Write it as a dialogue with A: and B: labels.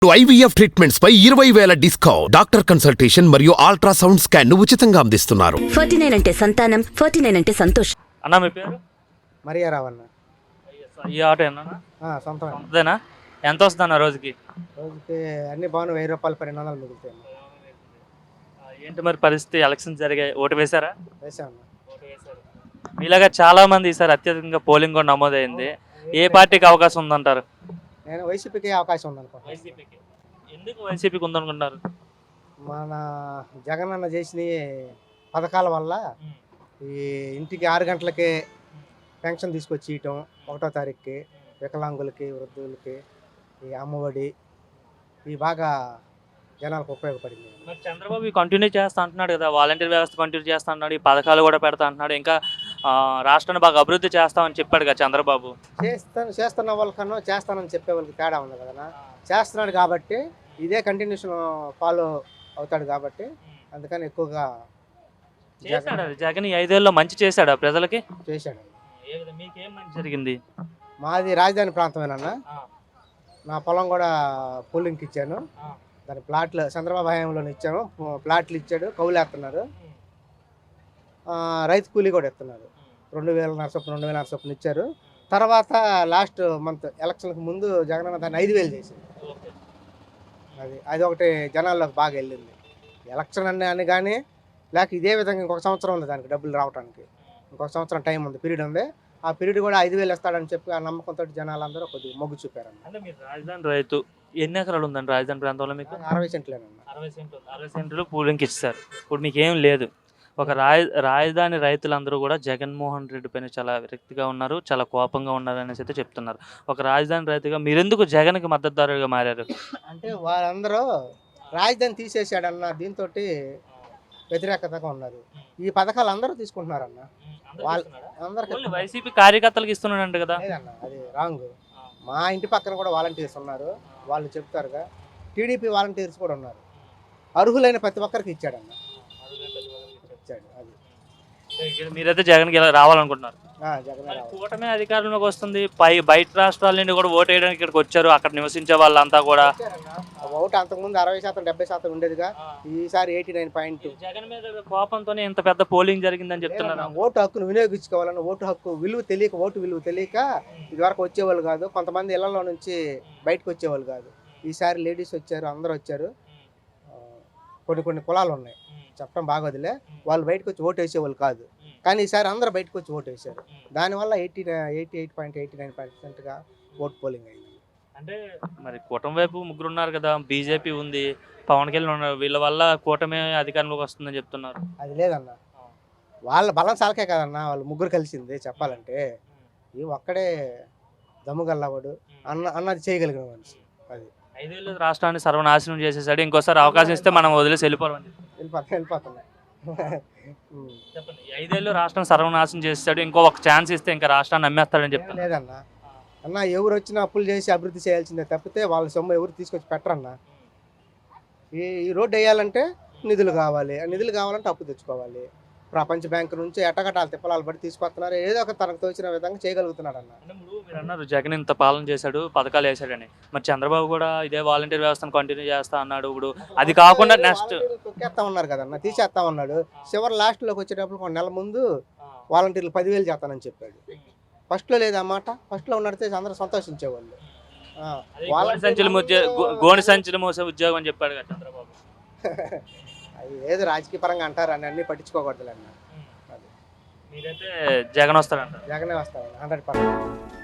A: IVF treatments పై 20,000 discount. Doctor consultation మరియు ultrasound scan ను ఉచితంగా అందిస్తున్నారు.
B: 49 అంటే సంతానం, 49 అంటే సంతోషం.
C: అన్న మీ పేరు?
D: మరియా రావన్న.
C: ఈ ఆటో ఏనా?
D: సొంతమే.
C: సొంతదేనా? ఎంత వస్తుందన్న రోజుకి?
D: రోజుకి అన్ని బాగున్నాయి. 1000 రూపాయలు 1200 మిగులుతాయి.
C: ఏంటి మరి పరిస్థితి? ఎలక్షన్స్ జరిగాయి, ఓటు వేశారా?
D: వేసామన్న.
C: మీలాగా చాలా మంది ఈసారి అత్యధికంగా పోలింగ్ కూడా నమోదైంది. ఏ పార్టీకి అవకాశం ఉందంటారు?
D: నేను వైసీపీకి అవకాశం ఉందనుకుంటున్నాను.
C: వైసీపీకి. ఎందుకు వైసీపీకి ఉందనుకుంటున్నారు?
D: మన జగన్ అన్న చేసిన పథకాల వల్ల ఈ ఇంటికి 6 గంటలకే పెన్షన్ తీసుకొచ్చి ఇవ్వటం, 1వ తారీఖుకి వికలాంగులకి, వృద్ధులకి, ఈ అమ్మఒడి ఇవి బాగా జనాలకు ఉపయోగపడింది.
C: మరి చంద్రబాబు కంటిన్యూ చేస్తా అంటున్నాడు కదా, వాలంటీర్ వ్యవస్థ కంటిన్యూ చేస్తా అంటున్నాడు, ఈ పథకాలు కూడా పెడతా అంటున్నాడు, ఇంకా రాష్ట్రాన్ని బాగా అభివృద్ధి చేస్తామని చెప్పాడు కదా చంద్రబాబు.
D: చేస్తున్న వాళ్ళకన్నా చేస్తానని చెప్పే వాళ్ళకి తేడా ఉంది కదా. చేస్తున్నాడు కాబట్టి ఇదే కంటిన్యూషన్ ఫాలో అవుతాడు కాబట్టి అందుకని ఎక్కువగా
C: చేశాడు. జగన్ 5 ఏళ్ళలో మంచి చేశాడు ప్రజలకి.
D: చేశాడు.
C: మీకేం మంచి జరిగింది?
D: మాది రాజధాని ప్రాంతమేనన్నా. నా పొలం కూడా పూలింగ్కి ఇచ్చాను. దాని ప్లాట్లు చంద్రబాబు హయాంలో ఇచ్చాను. ప్లాట్లు ఇచ్చాడు, కౌలేస్తున్నారు. రైతు కూలీ కూడా ఇస్తున్నారు. 2,000 చొప్పున 2,000 చొప్పున ఇచ్చారు. తర్వాత లాస్ట్ మంత్ ఎలక్షన్కి ముందు జగనన్న దాన్ని 5,000 చేసింది. అది ఒకటి జనాల్లోకి బాగా వెళ్ళింది. ఎలక్షన్ అని కానీ లేక ఇదే విధంగా ఇంకొక సంవత్సరం ఉంది దానికి డబ్బులు రావడానికి. ఇంకొక సంవత్సరం టైం ఉంది, పీరియడ్ ఉంది. ఆ పీరియడ్ కూడా 5,000 ఇస్తాడని చెప్పి ఆ నమ్మకంతో జనాలందరూ కొద్దిగా మొగ్గు చూపారు.
C: అంటే మీరు రాజధాని రైతు, ఎన్ని ఎకరాలు ఉందండి రాజధాని ప్రాంతంలో మీకు?
D: 60 సెంట్లేనన్నా.
C: 60 సెంట్లు పూలింగ్కి ఇచ్చారు. ఇప్పుడు మీకు ఏం లేదు. ఒక రాజధాని రైతులందరూ కూడా జగన్మోహన్ రెడ్డి పైన చాలా విరక్తిగా ఉన్నారు, చాలా కోపంగా ఉన్నారు అనేసి అయితే చెప్తున్నారు. ఒక రాజధాని రైతుగా మీరెందుకు జగన్కి మద్దతుదారుగా మారారు?
D: అంటే వాళ్ళందరూ రాజధాని తీసేసాడన్న దీంతో వ్యతిరేకతగా ఉన్నారు. ఈ పథకాలు అందరూ తీసుకుంటున్నారన్న. అందరికీ
C: వైసీపీ కార్యకర్తలకు ఇస్తున్నాడంట కదా.
D: లేదన్న, అది రాంగ్. మా ఇంటి పక్కన కూడా వాలంటీర్స్ ఉన్నారు, వాళ్ళు చెప్తారుగా. టీడీపీ వాలంటీర్స్ కూడా ఉన్నారు. అర్హులైన ప్రతి ఒక్కరికి ఇచ్చాడన్న. ఇచ్చాడు. అది
C: మీరైతే జగన్కి రావాలనుకుంటున్నారు?
D: జగన్
C: కూటమి అధికారంలోకి వస్తుంది. బయట రాష్ట్రాల నుండి కూడా ఓటు వేయడానికి ఇక్కడికి వచ్చారు. అక్కడ నివసించే వాళ్ళంతా కూడా
D: ఓటు అంతకుముందు 60% 70% ఉండేదిగా. ఈసారి 89%.
C: జగన్ మీద కోపంతోనే ఇంత పెద్ద పోలింగ్ జరిగిందని చెప్తున్నారు.
D: ఓటు హక్కును వినియోగించుకోవాలని, ఓటు హక్కు విలువ తెలియక, ఓటు విలువ తెలియక ఇదివరకు వచ్చేవాళ్ళు కాదు. కొంతమంది ఇళ్లలో నుంచి బయటకు వచ్చేవాళ్ళు కాదు. ఈసారి లేడీస్ వచ్చారు, అందరూ వచ్చారు. కొన్ని కులాలు ఉన్నాయి, చెప్పడం బాగోదులే. వాళ్ళు బయటకు వచ్చి ఓటు వేసేవాళ్ళు కాదు, కానీ ఈసారి అందరూ బయటకు వచ్చి ఓటు వేశారు. దానివల్ల 88.89% ఓట్ పోలింగ్ అయింది.
C: అంటే మరి కూటమి వైపు ముగ్గురు ఉన్నారు కదా, బీజేపీ ఉంది, పవన్ కళ్యాణ్ ఉన్నారు. వీళ్ళ వల్ల కూటమి అధికారంలోకి వస్తుందని చెప్తున్నారు.
D: అది లేదన్న, వాళ్ళ బలం సాలకే కదన్న వాళ్ళు ముగ్గురు కలిసింది. చెప్పాలంటే ఈ ఒక్కడే దమ్ముగల్లవాడు అన్నది చేయగలిగిన మనిషి. అది
C: 5 ఏళ్ళు రాష్ట్రాన్ని సర్వనాశనం చేసేసాడు. ఇంకోసారి అవకాశం ఇస్తే మనం వదిలేసి వెళ్ళిపోవాలి.
D: వెళ్ళిపోతున్నాయి.
C: చెప్పండి. 5 ఏళ్ళు రాష్ట్రం సర్వనాశనం చేసాడు, ఇంకో ఒక ఛాన్స్ ఇస్తే ఇంకా రాష్ట్రాన్ని నమ్మేస్తాడని చెప్తాను.
D: లేదన్న, అన్న ఎవరు వచ్చినా అప్పులు చేసి అభివృద్ధి చేయాల్సిందే తప్పితే వాళ్ళ సొమ్ము ఎవరు తీసుకొచ్చి పెట్టరన్న. ఈ రోడ్డు వేయాలంటే నిధులు కావాలి. ఆ నిధులు కావాలంటే అప్పు తెచ్చుకోవాలి. ప్రపంచ బ్యాంకు నుంచి ఎట్టగట్టాలు తిప్పలాలు బట్టి తీసుకొస్తున్నారు. ఏదో ఒక తనకు తోచిన విధంగా చేయగలుగుతున్నాడు అన్న.
C: మీరు అన్నారు జగన్ ఇంత పాలన చేశాడు, పథకాలు వేసాడని. మరి చంద్రబాబు కూడా ఇదే వాలంటీర్ వ్యవస్థను కంటిన్యూ చేస్తా అన్నాడు. ఇప్పుడు అది కాకుండా నెక్స్ట్
D: తొక్కేస్తా ఉన్నారు కదన్న, తీసేస్తా ఉన్నాడు. చివరి లాస్ట్లోకి వచ్చేటప్పుడు 1 నెల ముందు వాలంటీర్లు 10,000 చేస్తానని చెప్పాడు. ఫస్ట్లో లేదన్నమాట. ఫస్ట్లో ఉన్నడితే అందరూ సంతోషించేవాళ్ళు.
C: గోని సంచులు మోసే ఉద్యోగం అని చెప్పాడు కదా చంద్రబాబు.
D: అది ఏదో రాజకీయ పరంగా అంటారు అని అన్ని పట్టించుకోకూడదు అన్న.
C: మీరైతే జగన్ వస్తాడంట?
D: జగనే వస్తాడు 100%.